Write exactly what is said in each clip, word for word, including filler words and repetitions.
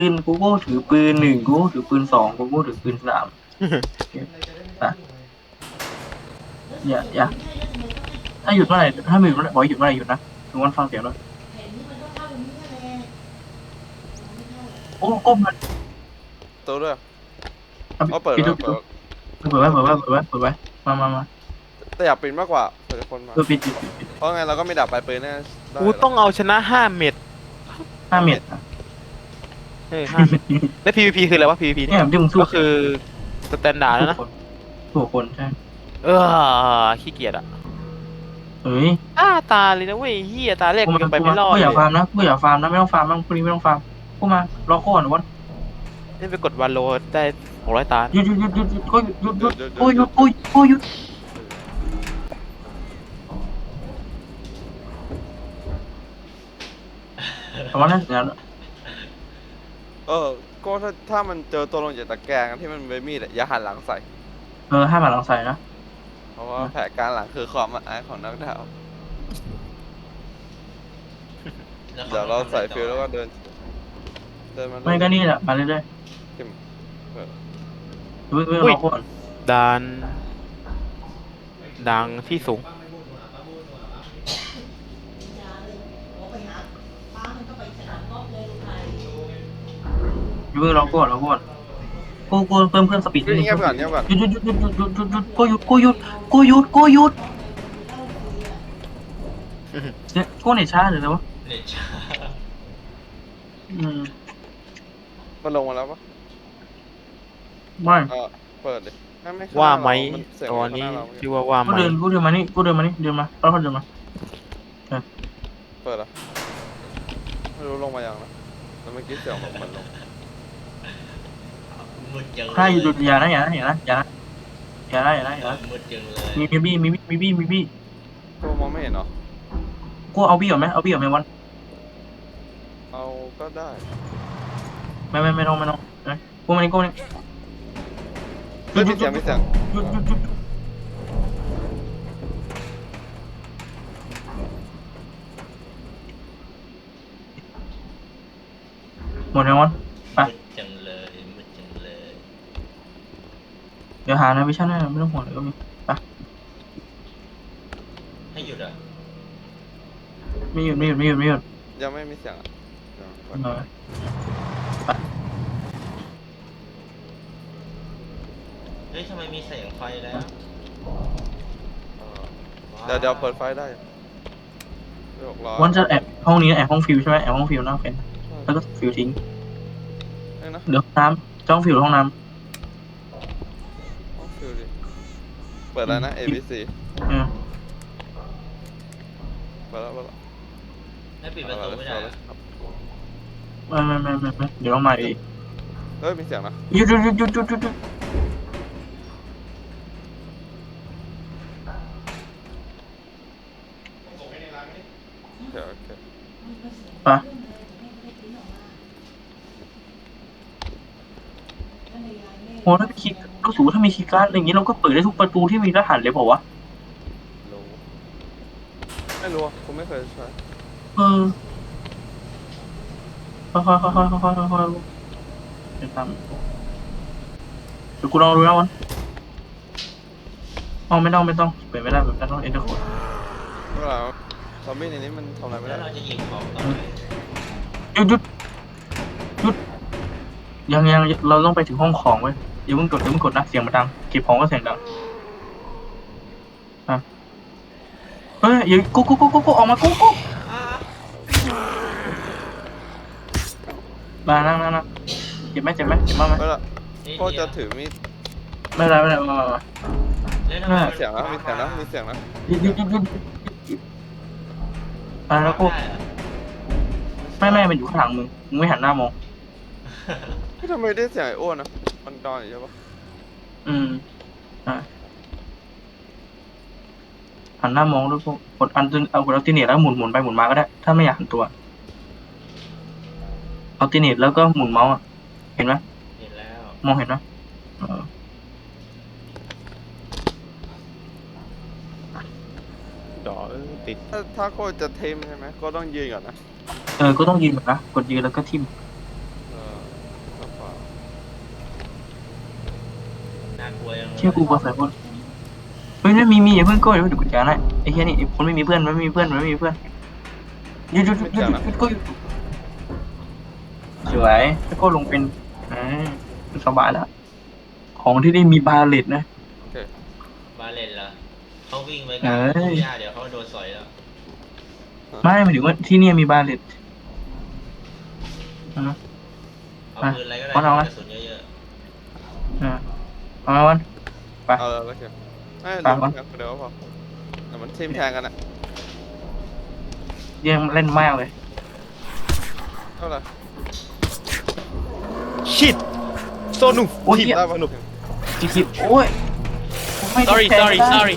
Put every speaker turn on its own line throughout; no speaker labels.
ปืนกูก็ถือปืนหนึ่งกูถือปืนสองกูก็ถือปืนสามอ่ะอย่าอย่าถ้าหยุดเมื่อไหร่ถ้าไม่หยุดเมื่อไหร่บอกหยุดเมื่อไหร่หยุดนะถึงวันฟังเสียงด้วยโอ้ก้มมัน
ตัวด้วย
เอา
อ๋อเปิด
ปิดดูปิดดู
แล้วเปิด
เปิดไว้เปิดไว้เปิดไว้เปิดไว้มามามา
แต่อยากปิดมากกว่าเผื่อคนมา
เออปิดปิดปิดปิด
เพราะไงเราก็ไม่ดับปลายปืนแน่ได้
กู
หร
ต้องเอาชนะห้าเม็ด
ห้าเมตรอ่ะ
เออห้าเม็ดแล้ว พี วี พี คืออะไรวะ พี วี พี
เนี่
เนี่ย
ยที่มึงสู้
ก็คือสแตนดาร์ดแล้วนะ
คนสู้คนใช่
เออขี้เกียจอ่ะ
เฮ้ย
อ้าตาเลยนะเว้ยเฮียตาแรก
กู
กู
มา
ยังไป
กู
ไม่
มาร
อด
กูอ
เลย
ย่าฟาร์มนะกูอย่าฟาร์มนะไม่ต้องฟาร์มนะพวกนี้ไม่ต้องฟาร์มกูมารอโค่นวัน
นี่ไปกดวันโลได้หกร้อยตา
หยุดหยุดหยุดหยุดหยุดก็หยุดหยุดหยุดโอ้ยหยุดโอ้ยโอ้ยหยุดประมาณนั้นอย่างนั้น
เออก็ถ้าถ้ามันเจอตัวลงจากตะแกรงที่มันเป็นมีดอะอย่าหันหลังใส่
เออให้มาหลังใส่นะ
เพราะว่าแผลการหลังคือความอับอายของนักดาวเดี๋ยวเราใส่ฟิลแล้วก็เดินเดินมา
ไม่ก็นี่แหละมาเรื่อย
ทิมเออ
ๆเพิ่งเพิ่งรอโค่น
ดานดังที่สูง
เพิ่งรอโค่นรอโค่นกูกูเพิ่มเพิ่มสปีด
เงียบก่อนเงียบก่อน
หยุดหยุดหยุดหยุดหยุดหยุดหยุดหยุดกูหยุดกูหยุดกูหยุดกูหยุดเนี่ยกูเนี่ยช้าหรือไงวะ
เน็ตช้า
อืม
มันลงมาแล้วปะ
ไม่
เออเปิดดิไม่ไม่ข้ง
ว่าไหม
เรนเสียง
ตอนนี้
ข้างหาเรา
ชื่อว่าว่าไห
กู
ม
เดินกูเดินมานี่กูเดินมานี่เดินมาแล้วเขาเดินมา
เปิดเหรอไม่รู้ลงมาอย่างนะแล้วเมื่อกี้เสียงแบบเหมือนลง
มืดจังเลย
ใครหยุดอย่านะอย่านะอย่านะอย่านะอย่านะอย่านะอย่านะ
มืดจังเลย
มีมีบี้มีบี้มีบี้มีบี้
ตัวมองไม่เห็นเหรอ
กูเอาบี้ก่อนไหมเอาบี้ก่อนไหมวัน
เอาก็ได้
ไม่ไม่ไม่ต้องไม่ต้องนะกูมานี่กูมานี่
เฮ้ยมีเสียงมีเสียง
หยุดหยุดหยุดหมดแล้ววันไป
มืดจังเลยมืดจังเลย
เดี๋ยวหาในวิชั่นให้ไม่ต้องห่วงเลยก็มีไป
ให้หยุดอ่ะ
ไม่หยุดไม่หยุดไม่หยุดไม่หยุด
ยังไม่มีเสียงอ่ะเดี๋ยวก่อน
เออ
เฮ้ยทำไมมีแสงไฟแล้ว
เดี๋ยวเดี๋ยวเปิดไฟได้หกร้อย
วันจะแอบห้องนี้แอบห้องฟิวใช่ไหมแอบห้องฟิวหน้าเป็นแล้วก็ฟิวทิ้ง
นี่นะ
เดี๋ยวน้ำจ้องฟิวห้องน้
ห้องฟิลดิเปิดแล้วนะ A B C
ำเออ
เปิดแล้วเปิดแล้ว
ให้ปิดประตูไม่ได้
เปิ
อะ
ครับ
ไม่ไม่ไม่ไม่ไม่เดี๋ยวต้องมาอีก
เฮ้ยมีเสียงนะ
หยุดหยุดหยุดหยุดหยุดหยุดหยุด
เดี๋ยวโอเค
ไปโอ้ถ้ามีคีย์ก็สูถ้ามีคีย์การ์ดอย่างนี้เราก็เปิดได้ทุกประตูที่มีรหัสเลยเปล่าวะ
รู้ไม่รู้อะผมไม่เคยใช้
เออค่อยๆค่อยๆค่อยๆค่อยๆค่อยๆเดี๋ยวตามเดี๋ยวกูลองดูนะวันอ๋อไม่ต้องไม่ต้องเปิดไม่ได้แบบนั้นต้องเอ็นเตอร์โค้ด
เวลาซอมบี้ในนี้มันทำอะไรไม่
แล้
ได้
วเราจะยิงของต่อไป
หยุดหยุดหยุดยังยังเราต้องไปถึงห้องของเว้ยอย่าเพิ่งกดอย่าเพิ่งกดนะเสียงมันดังเก็บของก็เสียงดังอ่ะเฮ้ยอย่ากูกูกูกูกูออกมากูกูมานั่งนั่งนั่งเจ็บไหมเจ็บไหมเจ็บมากไหม
เวลา
นี่
ก็
เดี
จะ
ยว
ถือมีด
ไม่เป็นไรไม่เป็นไรมามามา
แล้วทำไม
มีเสียงนะมีเสียงนะมีเสียงนะ
หยุดหยุดหยุดหยุดหยุดอ่ะแล้วกู
ได้เหรอ
ไม่ไม่มันอยู่ข้างหลังมึงมึงไม่หันหน้ามอง
ที่ทำไมได้เสียงไอ้อ้วนนะมันดอนอยู่ใช่ปะ
อืมอ่ะหันหน้ามองด้วยพวกกดอันตึงเอากดอัลติเนตแล้วหมุนหมุนไปหมุนมาก็ได้ ถ้าไม่อยากหันตัวอัลติเนตแล้วก็หมุนเมาส์อ่ะเห็นไหม
เห็นแล้ว
มองเห็นไหมเออ
ดอเออติด
ถ้าถ้าโคตรจะเทมใช่ไหมก็ต้องยืนก่อนนะ
เออก็ต้องยืนแบบนะกดยืนแล้วก็ทิ่ม
เออ
น่ากลัวยังเลย
เชื่อกูกลัวใส่คนเฮ้ยนั่นมีมีอย่าเพิ่งโก้เดี๋ยวเดี๋ยวกูจะนะไอ้แค่นี้ไอ้คนไม่มีเพื่อนมันไม่มีเพื่อนมันไม่มีเพื่อนหยุดหยุดหยุดหยุดหยุดหยุดโก้หยุดสวยแล้วก็ลงเป็นอ่าสบายแล้วของที่ได้มีบาเลตนะ
โอเค
บาเลนเหรอเขาวิ่งไปกั
เอ้
บ
ย
ทุ่งหญ้าเดี๋ยวเขาโดนสอยแล้ว
ไม่หมายถึงว่าที่เนี่ยมีบาเลตอ่า
เอา
อ่ะ
ปืนอะไรก็ได้
เอาเอา
กระสุนเยอะ
อ่าเอามาวัน ไป
เอาเลยโอเคไอ้
ตาม
ล
ก่อน
งแทงคนเดียวก็พอแต่มันทีมแทงกันอะ
ยังเล่นมากเลย
เท่าไหร่
ชิดโซนุ
โอ้ย
ทีม
เหี้ย
ได้ปะหนุก
จีคิดโอ้ยไม่ได้
Sorry
แทง
sorry
ได้
sorry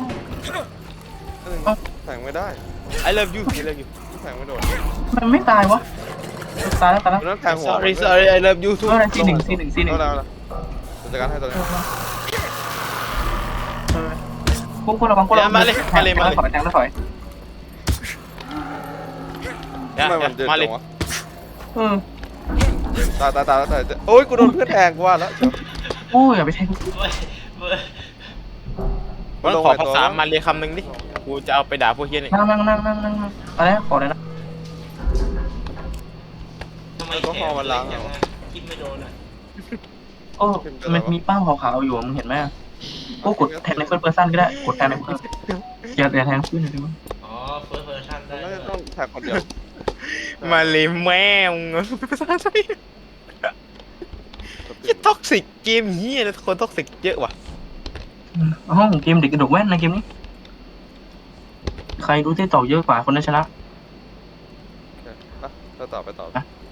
แทงไม่ได้
I love you I love you
แทงไม่โดน
มันไม่ตายวะตายแล้วตายแล้ว
มันต้องแทงหัว
sorry sorry I love you too
เท่าไหร่ซีหนึ่งซีหนึ่งซีหนึ่ง
เท่าไหร่เท่าไหร่จัดการให้ตัวนี้
พวกพวกเราบางพวกเรา
มาเลยมาเลยมาเลย
ถอยแทงแล้วถอย
อย่า
ทำไม
อย่า
มันเดิน
มาเล
จั
ย
งวะ
เออ
ตายตายตายตายโอ้ยกูโดนเพื่อนแทงกูว่าแล้วเชียว
โอ้ยอย่าไปแทง
ๆเว้ยเว้ย
วันขอภาษามาเลยคำหนึ่งดิกูจะเอาไปด่าพวกเฮียนี่
นั่งนั่งนั่งนั่งนั่งนั่งอะไรนะขอเลยนะ
ทำไมแขนเล็กอย่างนั้นคิดไม่โดนอ่ะ
โอ้มันมีป้ายขาวๆอยู่มึงเห็นไหมโอ้กดแทงในเฟิร์สเพอร์ซันก็ได้กดแทงในเฟิร์สอย่าอย่าแทงขึ้นเลยได้ไหม
อ๋อเฟิร์สเพอร์ชั่นได้
น่า
ด้
จะ
วย
ต้องแทงคนเดียว
มาเลยแม่งภาษาไทยยี่ท็อกซิกเกมเฮียนะคนท็อกซิกเยอะว่ะ
ห้องเกมเด็กกระดกแว่นในเกมนี้ใครรู้ที่ต่อเยอะกว่าคนนั้นชนะ
เราต่อไปต่อ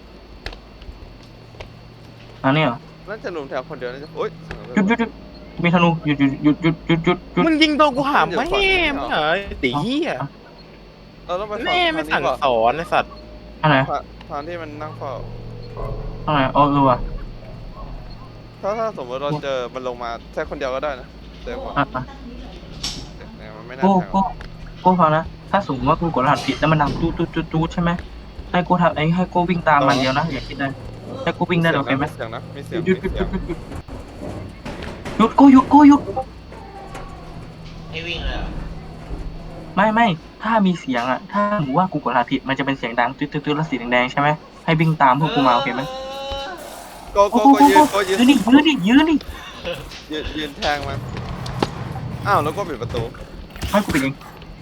อันนี้เหรอ
น่าจะลุมแทงคนเดียวน่าจะโอ้ย
หยุดหยุดหยุดมีธนูหยุดหยุดหยุดหยุดหยุดหยุดหยุด
มึงยิงโดนกูหามแม่มึงเหรอตีเฮีย
เราต้องไป
แม่ไม่สั่งสอนไอ้สัตว์
อันไหน
ทางที่มันนั่งเฝ้า
อันไหนอ๋อเออว่ะ
ถ้าถ้าสมมติเราเจอมันลงมาแค่คนเดียวก็ได้นะเจอกว่า
อ่ะอ่ะ
เนี่ยมันไม่น่า
โก้
แทง
โก้โก้ฟังนะถ้าสมมติว่ากูกดรหัสผิดแล้วมันดังตูดตูดตูดตูดใช่ไหมให้กูทำไอ้ให้กูวิ่งตามมันเดียวนะอย่าคิดนะให้กูวิ่งได้โอเคไหม
เสียงนะมีเสียง
หยุดห
มี
ยุดห
เสี
ยุ
ย
ด
ง
หยุดหยุดหยุดกูหยุดกูหยุด
ให้วิ่งเลยเหรอ
ไม่ไม่ถ้ามีเสียงอ่ะถ้าหนูว่ากูกดรหัสผิดมันจะเป็นเสียงดังตืดตืดตืดแล้วสีแดงๆใช่ไหมให้วิ่งตามพวกกูมาโอเคไหม
โกโก
โอ้
โก
โห
ยืนโกยื
ยื
น
นดิยืนดิยืนดิ
ยืนยืนแทงมันอ้าวแล้วก็ปิดประตู
ให้กูไปเอง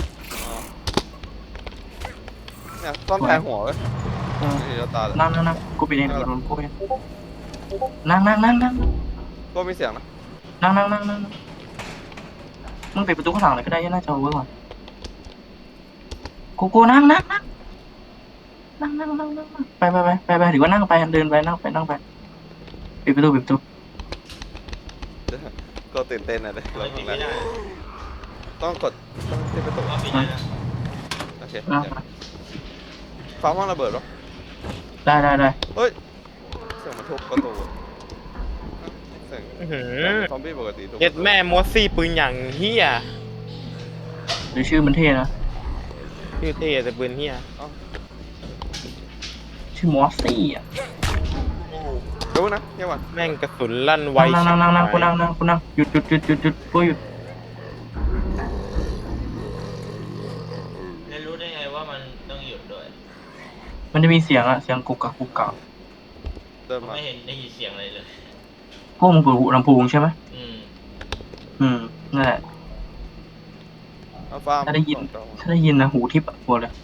เนี่ยต้องแทงหัวเว้ย
เออ
นี่เราตาเลย
นั่งนั่งนั่งกูไปเองเดี๋ยวโดนกูไปเองนั่งนั่งนั่งนั่ง
ก็มีเสียงนะ
นั่งนั่งนั่งนั่งมึงปิดประตูข้างหลังเลยก็ได้น่าจะเอาไว้ก่อนกูกูนั่งนั่งนั่งนั่งนั่งนั่งนั่งไปไปไปไปไปหรือว่านั่งไปเดินไปนั่งไปนั่งไปปิดประตูปิดประตู
ก็ตื่นเต้นนะเลย
ทำไมปิดไม่ได้
ต้องกดต้องที่ประตู
ว่าปิดได้นะ
โอเคฟ้าว่างระเบิดหรอ
ได้ได้ได้
เฮ้ยเสียงมันทุบประตูเสียง
อื้อหื
ซ
อ
อมบี้ปกติทุบ
เย็ดแม่มอสซี่ปืนอย่างเฮีย
หรือชื่อมันเท่นะ
ชื่อเท่แต่ปืนเฮีย
ชื่อมอสซี่อ่ะ
ดูนะเยี่ยมว่ะ
แม่งกระสุนลั่นไว
นั่งนั่งนั่งนั่งกูนั่งนั่งกูนั่งหยุดหยุดหยุดหยุดหยุดกูหยุด
แล้วรู้ได้ไงว่ามันต้องหยุดด้วย
มันจะมีเสียงอะเสียงกุกกักกุกกัก
เดิน
ผม
มา
ไม่เห็นได้ยินเสียงอะไรเลย
พวกมึงเปิดหูลำโพงใช่ไหม
อืม
อืมนั่นแหละ
เอาฟ้า
ถ้าได้ยิน ถ้าได้ยินนะหูทิพย์อะกลัวเลย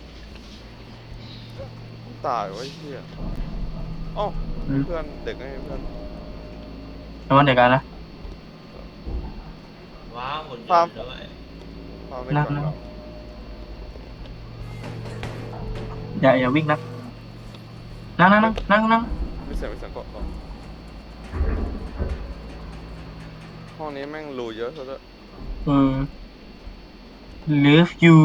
ตายไว้เหี้ยอ๋อเพื่อนเด็กไงเพื่อน
แต่ว่าเดี๋ยวกันนะ
ว้าวหุ่นยนต์ด้วย
ฟ้าไม่ฟังเรา
อย่าอย่าวิ่งนะนั่งนั่งนั่งนั่งนั่ง
ไม่เสียงไม่เสียงเกาะห้องนี้แม่งรูเยอะซะด้วย
เออ love you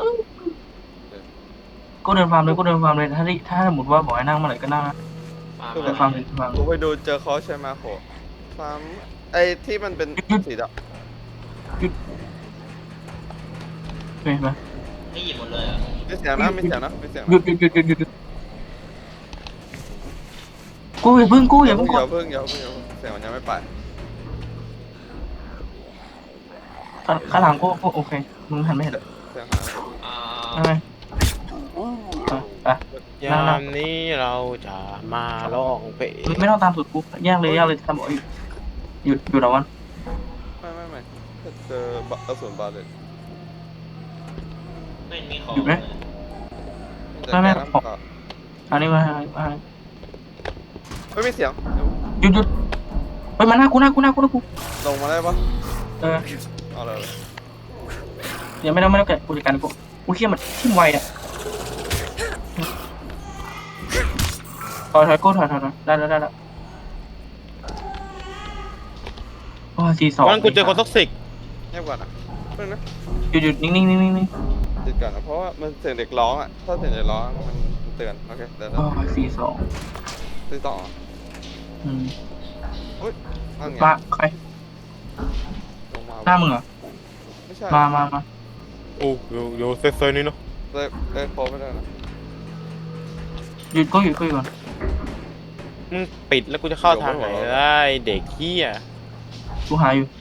ก็เดินฟาร์มเลยก็เดินฟาร์มเลยถ้าได้ถ้าสมมติว่าบอกให้นั่งเมื่อไหร่ก็นั่งนะ
ปา
คือ
เดินฟาร์มเลยฟาร์ม
กูไปดูเจอเขาใช่ไหมโหฟ้าไอ้ที่มันเป็นสีดำ
เห็นไหม
ไม่หยิบหมดเลยเหรอ่ะ
มีเสียงนะมีเสียงนะมีเสียง
หยุดหยุดหยุดหยุดหยุดหยุดกูอย่าเพิ่งกูอย่าเพิ่งก
อย่า
ด
เพิ่งอย่าเพิ่งอย่าเพิ่งเสียงมันยังไม่ไป
ข้างข้างหลังกูกูโอเคมึงหันไม่เห็น
เสียงหาย
อ่า
ใช่ไหมอ่ะไป
ยามนี้เราจะมาร้องเพลง
ไม่ต้องตามสุดกูแยกเลยแยกเลยทำบอกหยุดหยุดหยุดเอาวัน
ไม่ไม่ไม่ถ้าเจอบะกระสุนบาเลต
ไม่มีของ
หยุดไหม
จะแก้น้ำตา
อันนี้มามา
ไม่มีเสียง
หยุดหยุดไปมาหน้ากูหน้ากูหน้ากูหน้ากู
ลงมาได้ปะ
เออ
เอาเลย
เดี๋ยวไม่ต้องไม่ต้องแกะกูจัดการกูกูเขี้ยมันทิ่มไวอ่ะถอยถอยกูถอยถอยถอยได้แล้วได้แล้วโอ้สี่สอง
วันกูเจอคนท็อกซิก
เงียบก่อนนะเพิ่งนะ
หยุดหยุดนิ่งนิ่งนิ่งนิ่งนิ่ง
ติดก่อนนะเพราะว่ามันเสียงเด็กร้องอ่ะถ้าเสียงเด็กร้องมันเตือนโอเคเดี๋ยว
โอ้สี่สอง
ตีต่อ
อืม
อุ้ยนั่นไง
มาใคร
ลงมา
หน้ามึงเหรอ
ไม่ใช่
มามามา
โอ้โยโยเซฟเซอร์นี่เนาะ
เลยเลยโคไม่ได้นะ
หยุดก็หยุดก็หยุดก่อน
มึงปิดแล้วกูจะเข้าทางไหนได้เด็กเหี้ย
กูหาอยู่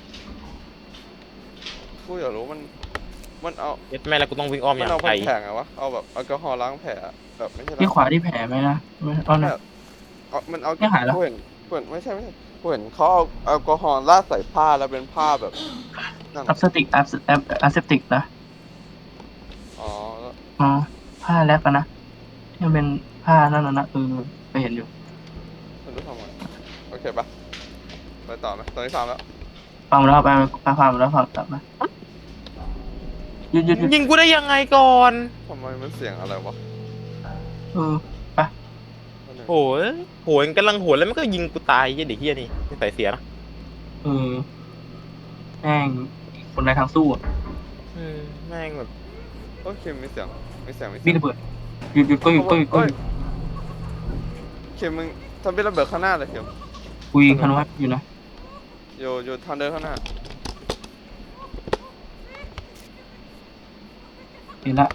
กูอยากรู้มันมันเอา
เย็ดแม่แล้วกูต้องวิ่งอ้อมอ
มัน
ย่าง
เอา
ไกล
แผงอะวะเอาแบบแอลกอฮอล์ล้างแผลอะแบบไม่ใช่
ที่
ล้าง
ขวาที่แผลไหมนะไม่เอาหน่อย
เอามันเอา
ไม่หายแล้ว
กูเห็นกูเห็นไม่ใช่ไม่ใช่กูเห็นเขาเอาแอลกอฮอล์ราดใส่ผ้าแล้วเป็นผ้าแบบนั่น
อัพสติกอัพอัพอัพเซปติกนะ
อ๋อแล้ว
อ๋อผ้าแรปอะนะที่มันเป็นผ้านั่นน่ะนะเออไปเห็นอยู่
ไม่รู้ทำไงโอเคปะไปต่อไหมตอนนี้ทำแล้ว
ฟังมาแล้วไปไปฟังมาแล้วฟังกลับมาหยุดหยุดหยุด
ยิงกูได้ยังไงก่อน
ทำไมมันเสียงอะไรวะ
เออไป
โหยโหยกำลังโหยแล้วมันก็ยิงกูตายยี่เด็กเหี้ยนี่ไม่ใส่เสียนะ
เออแม่งคนในทางสู้อะ
อืมแม่งแบบ
โอเคมีเสียงมีเสียงมีเสี
วิ่
ย
ง
ง
ระเบิดหยุดหยุดก็หยุดก็หยุดก็หยุด
เข็มมึงทำเป็นระเบิดข้างหน้าเลยเข็ม
คุยคันว่าอยู่นะ
อยู่อยู่ทางเดินข้างหน้า
เห็นละ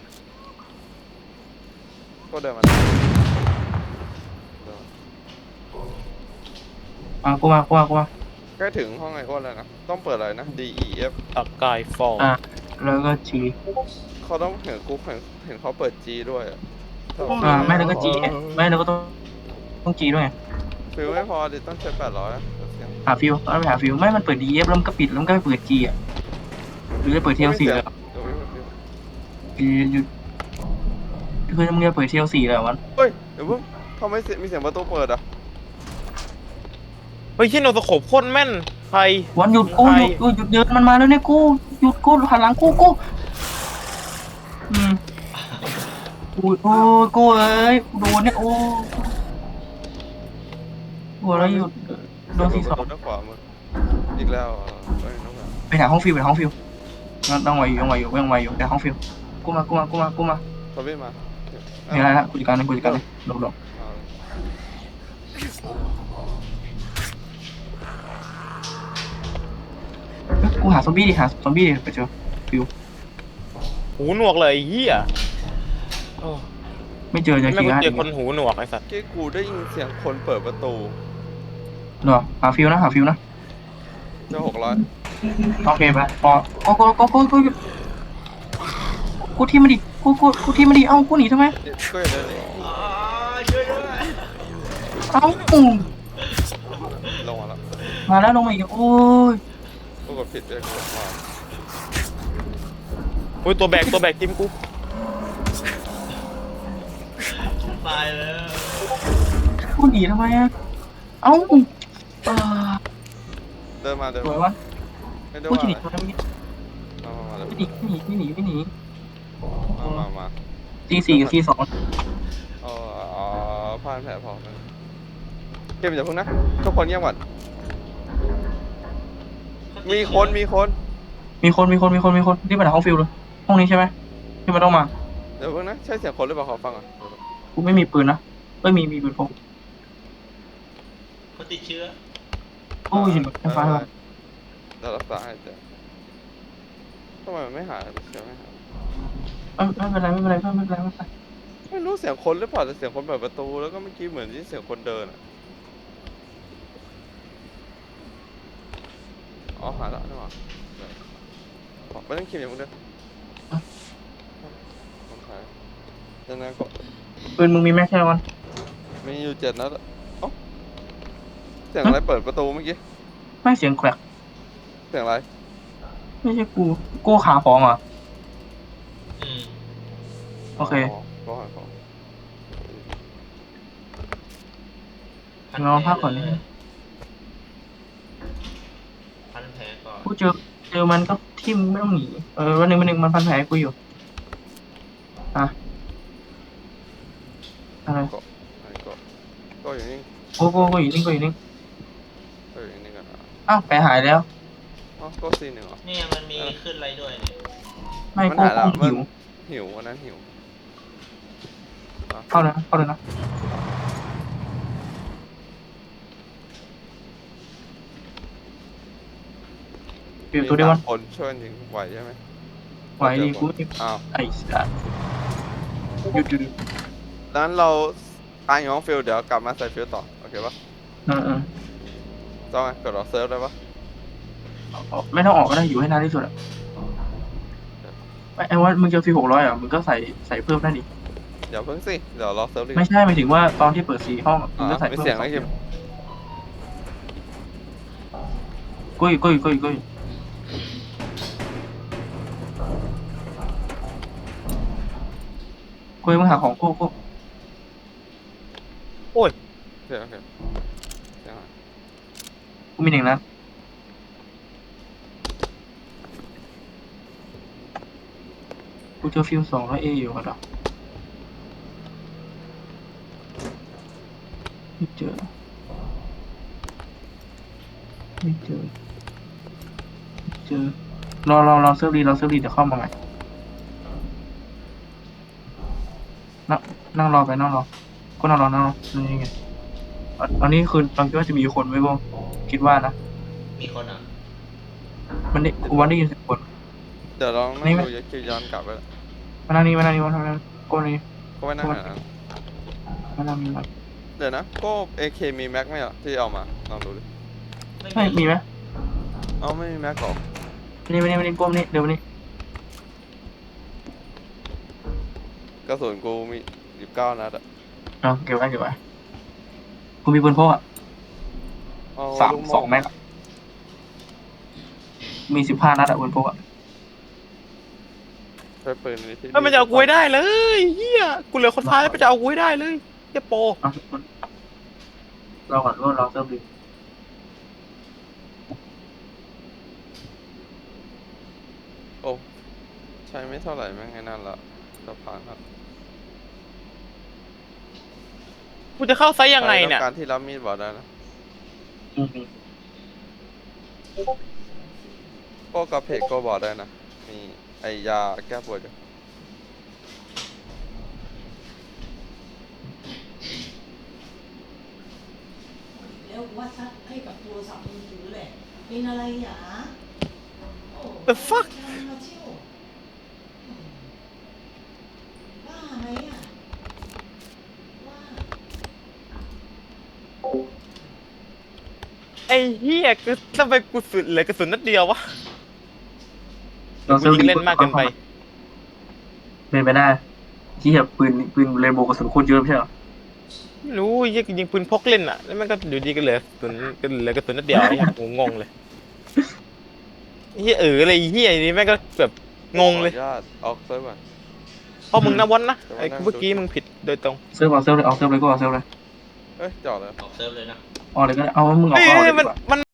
ก็เดินมา
มากูมากูมากูมา
ใกล้ถึงห้องไอโอนแล้วนะต้องเปิดอะไรนะ D E F
ตะกายฟอล
อ่ะแล้วก็จี
เขาต้องเห็นกูเห็นเห็นเขาเปิด G ด้วยอะ
อ่าไม่แล้วก็จีไม่แล้วก็ต้องต้องจีด้วย
ฟิลไม่พอดิต้องใช้แปดร้อยนะเสียง
หาฟิวต้องไปหาฟิวไม่มันเปิดดีเอฟแล้วมันก็ปิดแล้วมันก็ไปเปิดจีอ่ะหรือจะเปิดเทียลสี่เลย
เดี๋ยวไม่เปิดฟิล
หยุดคือมึงจะเปิดเทียลสี่เลยวัน
เฮ้ยเดี๋ยวเพิ่งทำไมเสียงมีเสียงประตูเปิดอ่ะ
เฮ้ยชิโนสโคปโคตรแม่นใคร
วันหยุดกูหยุดกูหยุดเดินมันมาแล้วเนี่ยกูหยุดกูหันหลังกูกูอืมกูโอ้ยกูเอ้ยโดนเนี่ยโอ้หัวแล้วหยุดโดนสี่สอง
ประตูด้านขวามืออีกแล้วอ่ะเฮ้ยน้องแบบ
ไปหาห้องฟิวไปหาห้องฟิวต้องไหวอยู่ต้องไหวอยู่ต้องไหวอยู่ไปหาห้องฟิวกูมากูมากูมากูมา
ทวิตมา
เห็นอะไรละกูจัดการเลยกูจัดการเลยหลบหลบ
เอา
กูหาซอมบี้ดิหาซอมบี้ดิไปเจอฟิว
หูหนวกเลยไอ้เหี้ยโอ้
ไม่เจอเจอ
แม่ง
กี่
กู
ฮะ
เจอคนหูหนวกไอ้สัตว์
เมื่อกี้กูได้ยินเสียงคนเปิดประตู
เหรอหาฟิวนะหาฟิวนะ
เจ้าหกร้อย
โอเคไปพอกูกูกูกูกูกูที่มาดิกูกูกูที่มาดิเอ้ากูหนีทำไม
ก็อย่างนั้นเลย
อ่าช่วยด้วย
เอ้าอืม
ลงมาแล้ว
มาแล้วลงมาอีกโอ้ย
กูกดผิดเลยกูกดมา
โอ้ยตัวแบกตัวแบกจิ้มกู
ตายแล้ว
กูหนีทำไมอ่ะเอ้าอ่า
เดินมาเดิน
สว
มาย
วะ
ไม่ได้
กู
ว่า
จะห
อะไร
นีทำไม
มามามาเลย
ไม่หนีไม่หนีไม่หนีไม่หนี
มามามา
ตีสี่กับตีสอง
เออเอาผ่านแผลพอมันเกมอย่าเพิ่งนะทุกคนเงียบก่อนมีคนมีคน
มีคนมีคนมีคนมีคนที่ไปหาห้องฟิวเลยห้องนี้ใช่ไหมที่มันต้องมา
เดี๋ยวเพิ่งนะใช่เสียงคนหรือเปล่าขอฟังก่อน
กูไม่มีปืนนะไม่มีมีปืนพก
เขาติดเชื้อ
โอ้ยยิงไฟฟ้า
เดี๋ยวรักษาให้เจ๊ทำไมมันไม่หายเสียงไม่หาย
ไม่ไม่เป็นไรไม่เป็นไรไม่เป็นไรไม่เป็นไร
ไม่รู้เสียงคนหรือเปล่าแต่เสียงคนเปิดประตูแล้วก็เมื่อกี้เหมือนที่เสียงคนเดินอะอ๋อหายแล้วนี่หว่าไม่ต้องคิมอย่างมึงเด้อมันหายยังไงก็
ปืนมึงมีแม็กแค่วัน
มีอยู่เจ็ดนัดอะเอ้าเสียงอะไรเปิดประตูเมื่อกี้
ไม่เสียงแกรก
เสียงอะไร
ไม่ใช่กูกูขาของเหรอ
อืม
โอเค
ก็หาของ
นอนพักก่อนนิดนึง
พันแผลก่อน
กูเจอเจอมันก็ทิ่มไม่ต้องหนีเออวันหนึ่งวันหนึ่งมันพันแผลกูอยู่อ่ะอะไร
ก็ไหนก็ก็อยู่นี่
โอ้โหกูอยู่นิ่งกูอยู่นิ่ง
ก็อยู่นี่กันนะ
อ้าวแผลหายแล้ว
อ๋อก็ซีหนึ่งเหรอ
เนี่ยมันมีขึ้นอะไรด้วยเนี่ย
ไม่
มัน
กู
หายแล้ว
กูหิว
หิววันนั้นหิวอ่ะ
เข้าเลยนะเข้าเลยนะเปลี่ยนตัวเดียวมัน
มีสามคนช่วยกันยิงไหวใช่ไหม
ไหวดิกู
อ้าว
ไอ้สัสหยุดหยุดหยุด
ดังนั้นเราตายอยู่ห้องฟิลเดี๋ยวกลับมาใส่ฟิลต่อโอเคปะ
เออเออ
ต้องไงกดรอเซิร์ฟได้ปะ
เอาไม่ต้องออกก็ได้อยู่ให้นานที่สุดอะไอ้ไอ้ว่ามึงเจอฟีหกร้อยอ่ะมึงก็ใส่ใส่เพิ่มได้ดิ
เดี๋ยวเพิ่งสิเดี๋ยวรอเซิร์ฟดีก
ไม่
ว่า
ใช่หมายถึงว่าตอนที่เปิดสีห้องอะมึงก็
อ่ะ
ใส่
มี
เพิ่ม
เสียงอะไรคิม
กุ้ยกุ้ยกุ้ยกุ้ยกุ้ยมึงหาของกูกู
โอเคโอเคเสียงอะไร
กูมีหนึ่งนะกูเจอฟิวสองร้อยเออยู่กันหรอไม่เจอไม่เจอไม่เจอรอรอรอเซิร์ฟดีรอเซิร์ฟดีเดี๋ยวเข้ามาใหม่นั่งนั่งรอไปนั่งรอก็นั่งรอนั่งรอนี่ไงอันอันนี้คือตอนคิดว่าจะมีคนไหมบ้างคิดว่านะ
มีคนอ่ะ
มันได้วันได้ยินเสียงคน
เดี๋ยวลองนั่
นี่
ง
ไหม
ดูคิวย้อนกลับไป
มานั่งนี่มานั่งนี่มานั่งนี่โก้นี่
ก็ไม่นั่งหานะ
มานั่งนี่มา
เดี๋ยวนะก็เอเคมีแม็กไหมอ่ะที่เอามาลองดูดิ
ใช่มีไหม
เอาไม่มีแม็กหรอ
มานี่มานี่มานี่ก้มนี่เดี๋ยวมานี่
กระสุนกูมีสิบเก้านัดอ่ะ
เอาเก็บไว้เก็บไว้กูมีปืนพกอ่ะ
เอา
สาม
ลูกโ
สองแม็กอะมีสิบห้านัดอะปืนพกอ่ะ
ใช้ปืนนี้ที่
เฮ้ยมันจะเอากูให้ได้เลยเฮียกูเหลือคนท้ายแล้วมันจะเอากูให้ได้เลยเฮียโป
เอารอก่อนรอรอเซิร์ฟดี
โอ้ใช้ไม่เท่าไหร่แม่งไอ้นั่นละสะพานครับ
กูจะเข้าไซส์ยังไงเนี่ย
ใครต้องการที่รับมีดบอกได้นะ
อืม
ก็กระเพกก็บอกได้นะ มีไอยาแก้ปวดอยู่
แล้ววัดซัดให้กับโทรศัพท์มือถือแหละ เป็นอะไรหยาโอ้
The fuck
ทำมาเที่ยวอืมบ้าไหมอ่ะว่า
ไอ้เฮียคือทำไมกูสุดเหลือกระสุนนัดเดียววะ
รอ
กู
เซิร์ฟ
ยิ
ดี
งเล่นมากเกินไป
เป็นไปได้ที่แบบปืนปืนเรนโบว์กระสุนโคตรเยอะไม่ใช่เหรอ
ไม่รู้เฮียยิงปืนพกเล่นอ่ะแล้วมันก็อยู่ดีก็เหลือกระสุนก็เหลือกระสุนนัดเดียวไอ้เหี้ยกูงงเลยเฮียเอออะไรเฮียนี่แม่งก็แบบงงเลย
ขออนุญาตออกเซิร์ฟก่อน
เพราะมึงนะวันนะไอ้เมื่อกี้มึงผิดโดยตรง
เซิร์ฟเอาเซิร์ฟเลยเอาเซิร์ฟเลยก็เอาเซิร์ฟเลย
เอ้ยจอดเลย
ออกเซิร์ฟเลยนะ
เอาเลยก็ได้เอามึงออก
เฮ้ย
ก็เอาเลย
มัน
ดีกว่า
มัน